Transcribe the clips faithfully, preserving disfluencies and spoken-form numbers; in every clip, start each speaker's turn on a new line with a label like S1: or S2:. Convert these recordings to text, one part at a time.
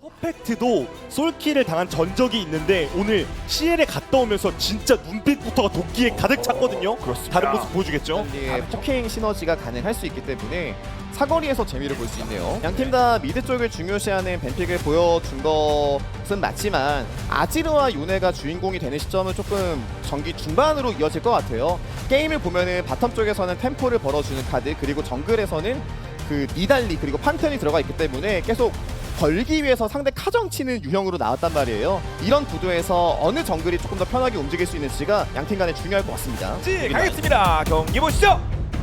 S1: 퍼펙트도 솔킬을 당한 전적이 있는데 오늘 씨엘에 갔다 오면서 진짜 눈빛부터가 도끼에 가득 찼거든요.
S2: 그렇습니다.
S1: 다른 모습 보여주겠죠?
S3: 예, 포킹 시너지가 가능할 수 있기 때문에 사거리에서 재미를 볼 수 있네요. 양팀 다 미드 쪽을 중요시하는 벤픽을 보여준 것은 맞지만 아지르와 요네가 주인공이 되는 시점은 조금 전기 중반으로 이어질 것 같아요. 게임을 보면은 바텀 쪽에서는 템포를 벌어주는 카드, 그리고 정글에서는 그 니달리 그리고 판테온이 들어가 있기 때문에 계속 걸기 위해서 상대 카정 치는 유형으로 나왔단 말이에요. 이런 구도에서 어느 정글이 조금 더 편하게 움직일 수 있는지가 양팀 간에 중요할 것 같습니다.
S2: 지 가겠습니다. 경기 보시죠.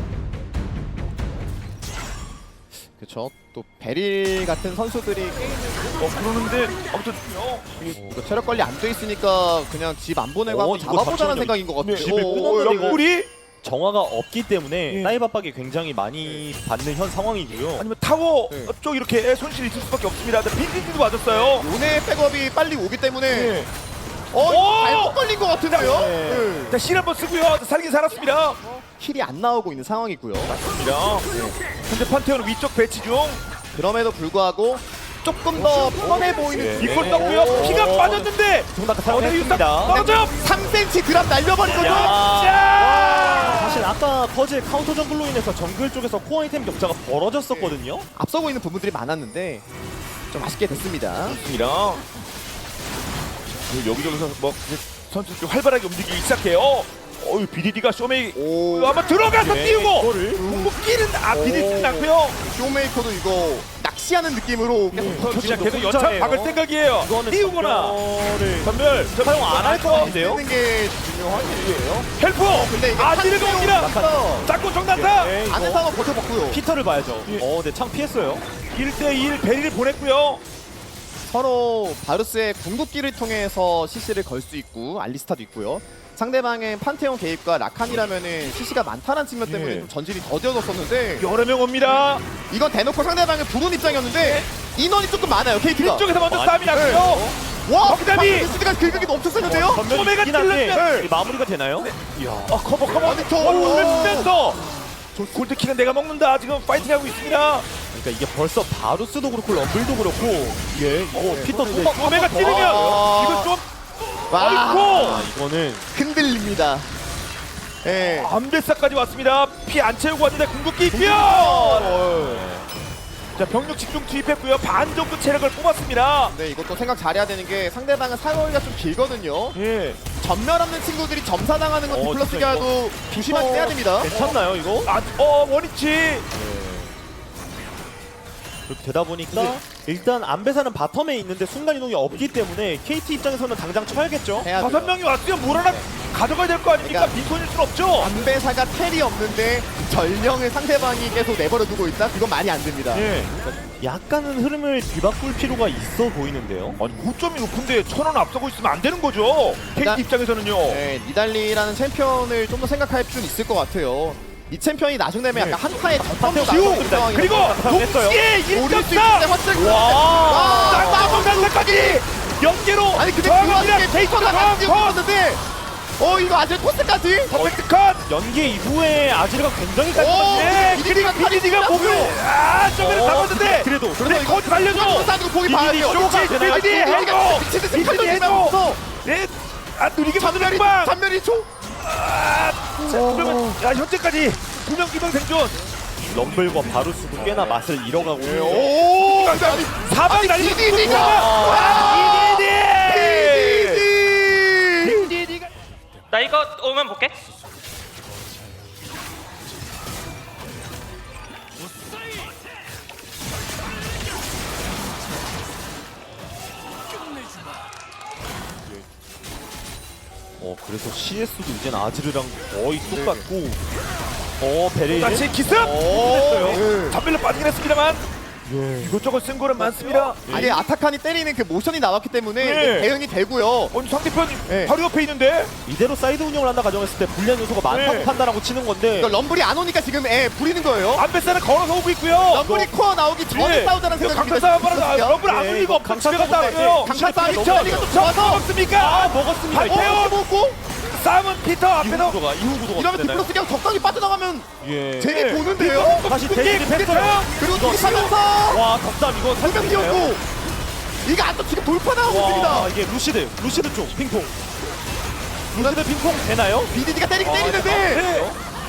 S3: 그렇죠. 또 베릴 같은 선수들이 게임을
S2: 어 그러는데 아무튼
S3: 이거 체력 관리 안 돼 있으니까 그냥 집 안 보내고
S1: 어,
S3: 한번
S1: 이거
S3: 잡아보자는
S1: 자체는
S3: 생각인 것 같아요.
S2: 네,
S1: 집을
S3: 오,
S1: 끊었는데 이거.
S2: 옆구리
S1: 정화가 없기 때문에
S2: 예.
S1: 사이브 압박이 굉장히 많이 받는 현 상황이고요.
S2: 아니면 타워
S3: 네.
S2: 쪽 이렇게 손실이 있을 수밖에 없습니다. 빈빈도 맞았어요.
S3: 요네 백업이 빨리 오기 때문에
S2: 네.
S3: 어 이거
S2: 오!
S3: 잘못 걸린 것 같은데요.
S1: 네.
S3: 네.
S2: 자, 실 한번 쓰고요. 살긴 살았습니다.
S3: 킬이 안 나오고 있는 상황이고요.
S2: 맞습니다. 현재 판테온 위쪽 배치 중.
S3: 그럼에도 불구하고 조금 더 편해 보이는
S1: 예.
S2: 이걸
S1: 네.
S2: 떴고요.
S1: 오.
S2: 피가 빠졌는데.
S1: 정답
S2: 어디 유상
S1: 사용했습니다.
S2: 떨어져.
S3: 삼 센티미터 드랍 날려버린 거죠.
S1: 야.
S2: 자.
S1: 사실 아까 퍼즐 카운터 정글로 인해서 정글 쪽에서 코어 아이템 격차가 벌어졌었거든요.
S3: 앞서고 있는 부분들이 많았는데 좀 아쉽게 됐습니다.
S2: 좋습니다. 그리고 여기저기서 뭐 이제 선수 좀 활발하게 움직이기 시작해요. 어유 비디디가 쇼메이
S3: 오,
S2: 아마 들어가서
S1: 네,
S2: 띄우고
S1: 이거를.
S2: 궁극기는 아 비디디는 났고요.
S3: 쇼메이커도 이거 낚시하는 느낌으로 계속
S2: 저 진짜 계속
S1: 혼자예요.
S2: 연차 박을 생각이에요.
S1: 이거는
S2: 띄우거나
S1: 전멸을
S2: 전멸
S1: 사용 안 할 것 같은데요?
S3: 쓰는 게 중요한 일이에요.
S2: 헬프
S3: 근데 이게
S2: 아지르가 옵니다.
S3: 판테온이라서
S2: 짝꿍 정단타
S1: 네, 이거
S3: 안에 상황 버텨봤고요.
S1: 피터를 봐야죠.
S2: 예.
S1: 어, 네, 창 피했어요.
S2: 일 대 일 베리를 보냈고요.
S3: 서로 바루스의 궁극기를 통해서 씨씨를 걸 수 있고 알리스타도 있고요. 상대방의 판테온 개입과 라칸이라면은 씨씨가 많다는 측면 때문에
S2: 예.
S3: 좀 전진이 더뎌졌었는데
S2: 여러 명 옵니다.
S3: 이건 대놓고 상대방을 부른 입장이었는데 인원이 조금 많아요. 케이티가.
S2: 뒤쪽에서 먼저
S1: 많이
S2: 싸움이 났고요.
S3: 와,
S2: 덕담이!
S3: 바루스가 긁기 넘쳤었는데요.
S2: 소매가
S1: 전멸이 한데
S2: 찔렀어요.
S1: 마무리가 되나요? 이야.
S2: 아 커버 커버.
S3: 아니, 저-
S2: 올렸으면서 골드킥은 내가 먹는다. 지금 파이팅하고 있습니다.
S1: 그러니까 이게 벌써 바루스도 그렇고 럼블도 그렇고 예, 이거 피터 또
S2: 소매가 찌르면
S3: 와.
S2: 이거 좀
S3: 와,
S1: 아,
S2: 어이쿠
S1: 이거는
S3: 흔들립니다. 예.
S2: 암배사까지 왔습니다. 피 안 채우고 왔는데 궁극기 뛰어. 자 병력 집중 투입했고요. 반 정도 체력을 뽑았습니다.
S3: 네, 이것도 생각 잘해야 되는 게 상대방은 사거리가 좀 길거든요.
S2: 예.
S3: 전멸 없는 친구들이 점사당하는 건
S1: 어,
S3: 디플러스가
S1: 진짜
S3: 해도 조심하게 해야 됩니다.
S1: 괜찮나요 이거?
S2: 아, 어 원위치.
S1: 그렇게 되다 보니까 일단 안배사는 바텀에 있는데 순간 이동이 없기 때문에 케이티 입장에서는 당장 쳐야겠죠.
S3: 해야
S2: 다섯
S3: 돼요.
S2: 명이 왔으면 뭘 하나 가져가야 될 거 아닙니까?
S3: 그러니까
S2: 빈손일 순 없죠.
S3: 안배사가 텔이 없는데 전령을 상대방이 계속 내버려 두고 있다? 그건 말이 안 됩니다.
S2: 예.
S1: 약간은 흐름을 뒤바꿀 필요가 있어 보이는데요.
S2: 아니 고점이 높은데 천 원 앞서고 있으면 안 되는 거죠.
S3: 그러니까-
S2: 케이티 입장에서는요.
S3: 네, 니달리라는 챔피언을 좀 더 생각할 필요는 있을 것 같아요. 이 챔피언이 나중 되면
S2: 네.
S3: 약간 한타의 전판도
S2: 지우
S3: 나왔던
S2: 그리고
S3: 상황이라서
S2: 동시에
S3: 오릴 수 있는데
S2: 일점사
S3: 확실히
S1: 와.
S2: 쌍마봉 단사까지 연계로
S3: 아니 근데 그
S2: 저항합니다.
S3: 와중에 데이터가 다 뛰고 있었는데 어 이거 아직 토스까지?
S2: 퍼펙트 컷.
S1: 연계 이후에 아지르가 굉장히
S3: 오!
S1: 깔끔한데
S2: 예,
S3: 비디디가
S2: 그리고 비디디가
S3: 칼이
S2: 목을
S3: 찔렸어요.
S2: 아 저기를
S1: 어,
S2: 잡았는데
S1: 그래도
S2: 그래
S3: 이거
S2: 컷 살려줘.
S3: 토스하고 보기 봐야 돼요.
S2: 쇼치
S1: 되나요?
S2: 비디디 해줘.
S3: 미친 듯이
S2: 비디디
S3: 칼도
S2: 해줘.
S3: 지나면서
S2: 네. 아 누리게 만드는
S3: 전멸이
S2: 방.
S3: 전멸이 총
S2: 아, 자, 그러면 야 현재까지 두 명 기명 생존.
S1: 럼블과 바루스도 꽤나 맛을 잃어가고
S3: 오!
S2: 사방 날리는
S3: 비디디가!
S2: 와!
S3: 비디디!
S2: 비디디가
S4: 나 이거 오면 볼게.
S1: 어 그래서 씨에스도 이젠 아지르랑 거의 똑같고 어 베레이
S2: 다시 기습.
S3: 오!
S2: 담벨로 빠지긴 했습니다만 이것저것 쓴 거는 많습니다.
S3: 아니 아타칸이 때리는 그 모션이 나왔기 때문에
S2: 네.
S3: 대응이 되고요.
S2: 오늘 상대편
S3: 네.
S2: 바로 옆에 있는데
S1: 이대로 사이드 운영을 한다 가정했을 때 불리한 요소가 많다고
S2: 네.
S1: 판단하고 치는 건데
S3: 그러니까 럼블이 안 오니까 지금 애 부리는 거예요.
S2: 안배사는 걸어서 오고 있고요.
S3: 럼블이 코어 나오기 전에
S2: 예.
S3: 싸우자는
S2: 이거
S3: 생각이
S2: 강타 싸움 하나 럼블 안
S1: 네,
S2: 울리고
S1: 이거
S2: 없고
S1: 강타
S2: 집에 갔다
S1: 싸움
S2: 왔어요.
S3: 강타 싸움이
S2: 피터
S3: 너무
S2: 저
S3: 좋아서.
S2: 먹습니까?
S1: 아 먹었습니다.
S3: 어,
S1: 이거
S3: 먹고
S2: 싸움은 피터
S1: 이후
S2: 앞에서
S1: 구도가 이후 구도가
S3: 이러면
S1: 되나요?
S3: 디플러스 그냥 적당히 빠져나가면
S1: 예.
S3: 재미
S2: 네.
S3: 보는데요.
S1: 다시
S2: 그게
S1: 대립
S2: 그게
S1: 했어요.
S3: 그리고
S1: 이거
S3: 뒤집하면서
S1: 와 덕담 이거
S3: 두명
S1: 살짝 있나요?
S3: 뛰었고 이거 안또 지금 돌파 나오고 있습니다.
S1: 와 이게 루시드 루시드 쪽 핑퐁 루시드 핑퐁 되나요?
S3: 비디디가 때리긴
S1: 아,
S3: 때리는데
S1: 네.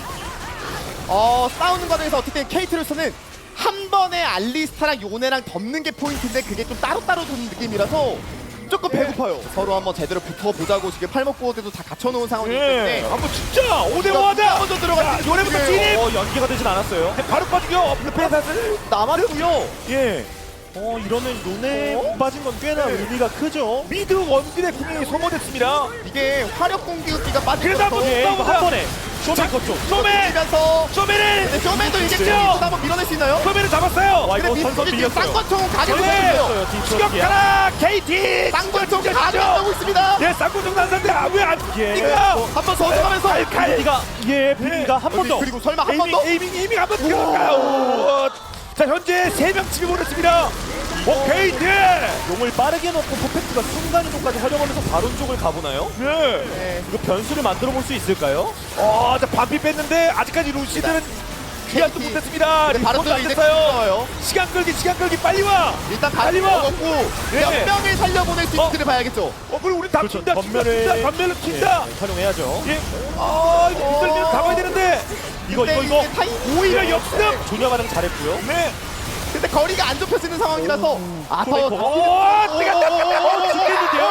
S3: 어 싸우는 과정에서 어쨌든 케이트로서는 한 번에 알리스타랑 요네랑 덮는 게 포인트인데 그게 좀 따로따로 도는 느낌이라서 조금 배고파요. 서로 한번 제대로 붙어보자고 지금 팔목구어대도 다 갖춰놓은 상황이기 때문에
S2: 예. 한번 진짜 오 대 오 하자.
S3: 먼저 들어가.
S2: 요래부터 진입.
S1: 어 연기가 되진 않았어요.
S2: 바로 빠지고 페사스.
S3: 남았고요.
S2: 예.
S1: 어 이러면 요네
S3: 어?
S1: 빠진 건 꽤나 의미가 크죠.
S2: 미드 원딜의 궁이 소모됐습니다.
S3: 이게 화력 공격기가 빠진
S2: 그래도 한번
S3: 것도
S1: 예, 이거 한
S2: 싸우자.
S1: 번에 쇼메 컷 쪽.
S2: 쇼메.
S3: 면서
S2: 쇼메를.
S3: 쇼맨도 이제
S2: 그렇죠.
S3: 또 한번 밀어낼 수 있나요?
S2: 쇼메를 잡았어요.
S1: 와
S3: 근데
S1: 이거 선선
S3: 미스터지 지금
S1: 밀렸어요.
S3: 쌍권총 가게
S2: 네.
S3: 되었어요.
S2: 추격하라 케이티.
S3: 쌍권총 가게하고 있습니다.
S2: 예, 쌍권총 난사인데 아왜안
S1: 예.
S2: 이거
S3: 한번 더 들어가면서
S2: 칼칼.
S1: 비디가 예 비디가 한 번 더.
S3: 그리고 설마 한 번
S2: 에이밍
S3: 더?
S2: 에이밍 에이밍 한번 들어갈까요? 자 현재 세 명 집에 보냈습니다. 오 케이티.
S1: 용을 빠르게 넣고 퍼펙트가 순간이동까지 활용하면서 바론 쪽을 가보나요?
S2: 네.
S3: 네.
S1: 이거 변수를 만들어 볼 수 있을까요?
S2: 어, 자 반피 뺐는데 아직까지 루시드는 귀환도
S3: 케이티.
S2: 못했습니다.
S3: 근데 바로
S2: 리포트 안
S3: 이제
S2: 됐어요.
S3: 끊어요.
S2: 시간 끌기 시간 끌기 빨리 와.
S3: 일단
S2: 빨리
S3: 바로
S2: 와.
S3: 먹었고
S2: 네.
S3: 몇 명을 살려보낼 수
S2: 어?
S3: 있는지를 봐야겠죠.
S2: 어 그리고 우리 다
S1: 그렇죠.
S2: 튄다
S1: 전멸을-
S2: 튄다 전멸로 튄다.
S1: 예, 활용해야죠.
S2: 예. 아 이거 이들면 잡아야 되는데.
S1: 이거 이거 이거
S3: 타임
S2: 오히려 역습.
S1: 조냐가랑 잘했고요.
S2: 네.
S3: 근데 거리가 안 좁혀지는 상황이라서 아더
S1: 소리
S3: 더
S1: 거-
S2: 오 뜨가 뜨가
S1: 어, 죽겠는데요?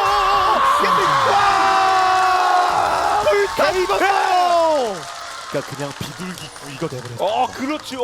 S3: 다 입었어요.
S1: 그러니까 그냥 비둘기 이거 돼버렸어.
S2: 어 그렇죠.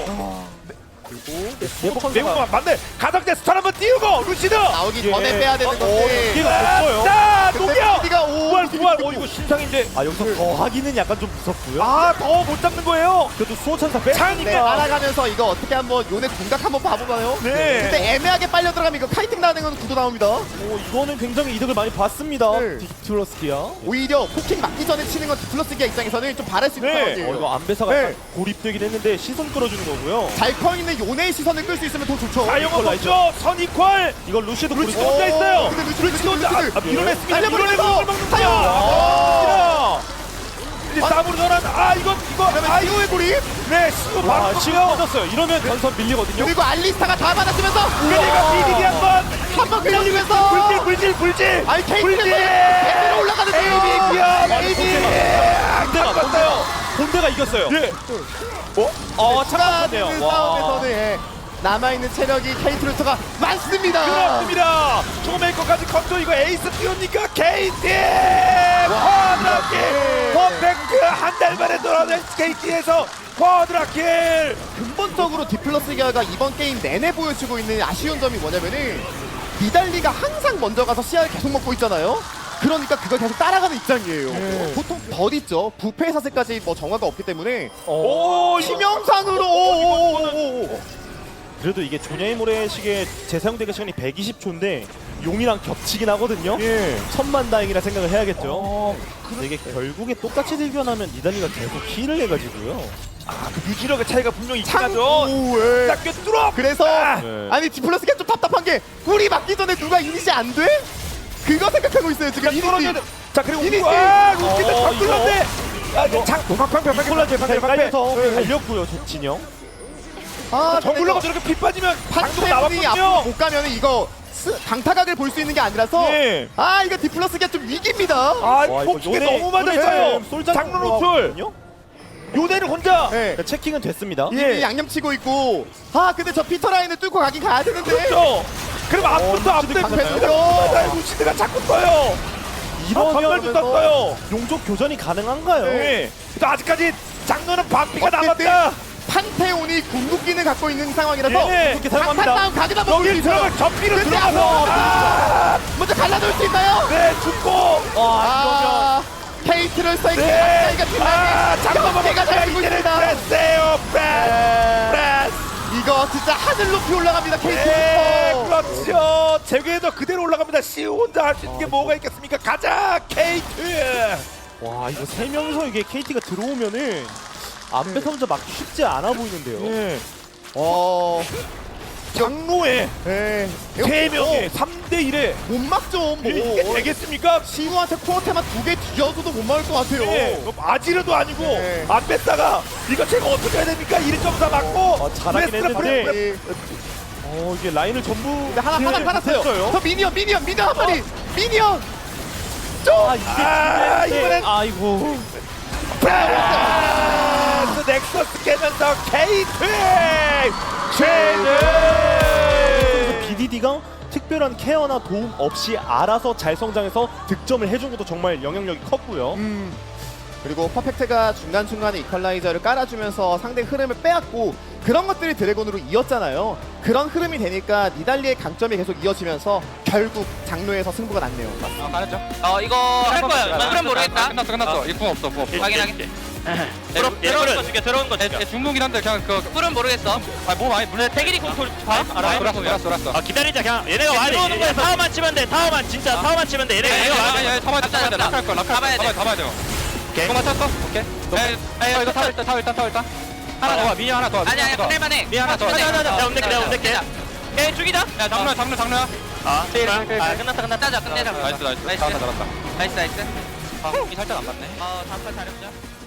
S1: 예복
S2: 매우 맞네. 가덕대 스타일 한번 띄우고 루시드.
S3: 나오기
S1: 예.
S3: 전에 빼야 되는
S1: 어,
S3: 건데.
S1: 기회가 됐어요.
S2: 자
S3: 근데
S2: 녹여.
S3: 비디가 오
S2: 부활 부활. 어 이거 신상인데.
S1: 아 여기서 더 하기는 약간 좀 무섭고요.
S2: 아 더 못 잡는 거예요.
S1: 그래도 수호천사
S3: 네,
S1: 빼니까
S3: 알아가면서 이거 어떻게 한번 요네 공각 한번 봐보나요?
S2: 네.
S3: 근데 애매하게 빨려 들어가면 이거 카이팅 나는 건 구도 나옵니다.
S1: 오, 이거는 굉장히 이득을 많이 봤습니다.
S3: 네.
S1: 디플러스키야.
S3: 오히려 포킹 맞기 전에 치는 건 디플러스기아 입장에서는 좀 바랄 수 있는
S2: 네.
S3: 상황이에요.
S1: 어, 이거 안배사가
S3: 네.
S1: 약간 고립되긴 했는데 시선 끌어주는 거고요.
S3: 잘 커 있는 요네의 시선을 끌 수 있으면 더 좋죠.
S2: 자영업
S1: 이퀄라이저.
S2: 없죠. 선이퀄.
S1: 이거 루시드
S2: 루시드
S1: 고립.
S2: 혼자 있어요.
S3: 근데 루시드 루시드
S2: 혼자 아,
S3: 루시드
S2: 아, 밀어냈습니다.
S3: 달려버리면서
S2: 밀어내고 먹는
S3: 타요.
S2: 거야. 이제
S3: 아.
S2: 싸움으로 전환. 아 이거 이거 아 이거
S3: 아이오의 고립
S2: 네 시도
S1: 와,
S2: 바로
S1: 시간 터졌어요. 이러면 전선 밀리거든요.
S3: 그리고 알리스타가 다 받아주면서
S2: 그러니까 비디디 한번
S3: 한번 끌려주면서
S2: 불질 불질 불질.
S3: 아니 케이트에서
S2: 불질.
S3: 계속 올라가는데요.
S2: 에이비야 에이비.
S1: 본대가 본대가 본대가 이겼어요.
S2: 예.
S1: 어
S3: 자,
S1: 참았네요.
S3: 그 싸움에서는 예, 남아있는 체력이 케이트로스가 많습니다.
S2: 그렇습니다. 초메이커까지 컨트롤 이거 에이스 띄웁니까? 케이티! 쿼드라킬! 퍼펙트 한 달 만에 돌아오는 케이티에서 쿼드라킬!
S3: 근본적으로 디플러스기아가 이번 게임 내내 보여주고 있는 아쉬운 점이 뭐냐면은 니달리가 항상 먼저 가서 씨알을 계속 먹고 있잖아요. 그러니까 그걸 계속 따라가는 입장이에요.
S2: 네.
S3: 보통 덜 있죠. 부패 사슬까지 뭐 정화가 없기 때문에
S2: 오,
S3: 치명상으로 오오오오오.
S1: 그래도 이게 조냐이 모래식의 재사용되기 시간이 백이십 초인데 용이랑 겹치긴 하거든요.
S2: 예.
S1: 천만다행이라 생각을 해야겠죠.
S2: 어,
S1: 근데 이게 결국에 똑같이 들견하면 니달리가 계속 힐을 해가지고요.
S2: 아, 그 유지력의 차이가 분명히 있긴
S3: 창
S2: 하죠.
S3: 오에.
S2: 딱 꿰뚫어!
S3: 그래서
S2: 아,
S1: 네.
S3: 아니 디플러스기아 좀 답답한 게 꿀이 맞기 전에 누가 이니시 안 돼? 그거 생각하고 있어요 지금.
S2: 그냥 뚫어줘야 돼. 자, 그리고
S3: 이니시.
S2: 와, 루키드
S1: 어,
S2: 잘 뚫었네! 아,
S1: 이거-
S2: 장, 팡팡팡팡
S1: 콜라제
S2: 방패, 방패.
S1: 깔려서
S2: 네.
S1: 달렸고요, 저 진영.
S3: 아,
S2: 정글러가 저렇게 피 빠지면 방도가
S3: 판테온이 앞으로
S2: 나왔거든요.
S3: 못 가면 이거 스, 강타각을 볼 수 있는 게 아니라서
S2: 예.
S3: 아 이거 디플러스기아 좀 위기입니다.
S2: 아,
S1: 와, 이거
S2: 폭죽에
S1: 요네-
S2: 너무 맞았어요.
S1: 요네 솔장
S2: 장로 노출.
S1: 들어가거든요?
S2: 요대는 혼자.
S3: 네.
S1: 그러니까 체킹은 됐습니다.
S2: 예.
S3: 이미 양념 치고 있고 아 근데 저 피터 라인을 뚫고 가긴 가야 되는데
S2: 그렇죠. 그럼 앞부터
S1: 루시드
S2: 앞부터
S3: 강패스죠.
S2: 나 루시드가 자꾸 떠요. 전멸도
S1: 이러면
S2: 떴어요.
S1: 용족 교전이 가능한가요?
S2: 네. 또 아직까지 장로는 반피가
S3: 어쨌든
S2: 남았다.
S3: 판테온이 궁극기를 갖고 있는 상황이라서
S2: 예.
S1: 그렇게 사용합니다.
S3: 강타 싸움 가게다 먹을 수
S2: 여기
S3: 있어요.
S2: 들어가 전피를
S3: 근데
S2: 들어가서
S3: 앞으로
S2: 아,
S3: 먼저 갈라놓을 수 있나요?
S2: 네 죽고
S3: 아 케이트를 써있는
S2: 네.
S3: 박사이가 팀장님
S2: 아 장로
S3: 경기가 잘 되고
S2: 이제는
S3: 있습니다.
S2: 프레스예요. 프레스.
S3: 네.
S2: 프레스.
S3: 이거 진짜 하늘 높이 올라갑니다
S2: 네,
S3: 케이트.
S2: 그렇죠. 제게도 그대로 올라갑니다. 시 혼자 할 수 있는 게 뭐가 있겠습니까? 가자, 케이트.
S1: 와 이거 세 명이서 이게 케이티가 들어오면은 안배 선자 막기 쉽지 않아 보이는데요.
S2: 네.
S3: 어,
S2: 장로에
S3: 네.
S2: 세 명에 삼 대 일에
S3: 못 막죠. 뭐.
S2: 이게 되겠습니까?
S3: 시우한테 코어테만 두 개 뒤져줘도 못 막을 것 같아요.
S2: 네, 아지르도 아니고
S3: 네.
S2: 안 뺐다가 이거 제가 어떻게 해야 됩니까? 일 점 사 맞고
S1: 어, 잘하긴
S2: 레스트라
S1: 했는데.
S2: 버려-
S3: 예.
S1: 어 이게 라인을 전부
S3: 근데 하나 하나
S1: 제어를
S3: 팔았어요.
S1: 못했어요.
S3: 저 미니언 미니언 미니언 한 마리 미니언 좀
S1: 아 이게
S2: 아,
S1: 이번엔
S2: 이번엔
S1: 아이고
S2: 브라스 넥서스 깨면서 케이트 최대.
S1: 비디디가 특별한 케어나 도움 없이 알아서 잘 성장해서 득점을 해준 것도 정말 영향력이 컸고요.
S3: 음. 그리고 퍼펙트가 중간중간에 이퀄라이저를 깔아주면서 상대 흐름을 빼앗고 그런 것들이 드래곤으로 이었잖아요. 그런 흐름이 되니까 니달리의 강점이 계속 이어지면서 결국 장로에서 승부가 났네요.
S5: 아, 가르죠.
S4: 어 이거 할 거야. 그럼 모르겠다.
S5: 끝났어, 끝났어. 이궁 없어, 궁 없어.
S4: 확인하게. 들어 들어온 거 죽여. 들어온 거
S5: 얘,
S4: 죽여.
S5: 얘 중국이긴 한데 그냥 그
S4: 뿔은 모르겠어.
S5: 아, 뭐 많이 물에
S4: 태길이 공돌 봐. 알아.
S5: 돌았어, 돌았어, 돌았어.
S6: 아 기다리자 그냥 얘네가 와야 돼. 얘네 타워만 치면 돼. 타워만 진짜 타워만 치면 돼. 얘네가 얘가 와야 돼.
S5: 아니, 아니, 잡아야 돼, 잡아야 돼. 락할 거, 락할 거.
S4: 잡아야 돼.
S5: 잡아야 돼, 잡아야 돼요.
S6: 오케이.
S5: 이거 맞췄어? 오케이. 에, 에, 이거 타워 일단, 타워 일단, 타워 일단. 하나 더 와, 미니 하나 더 와.
S4: 아니 아니 끝낼만 해.
S5: 미니 하나 더 와.
S6: 아니, 아니, 아니, 내가 운대게, 내가 운대게.
S4: 에 죽이자.
S5: 야, 장르야, 장르, 장르야.
S6: 아
S5: 오케이, 오케이, 오케이.
S4: 아 끝났다 끝났다. 자 끝내자.
S5: 나이스, 나이스.
S4: 나이스.
S5: 잘한다, 잘한다.
S4: 나이스 나이스.
S5: 아, 이 살짝 안 맞네.
S4: 어 다음 판 잘해보자.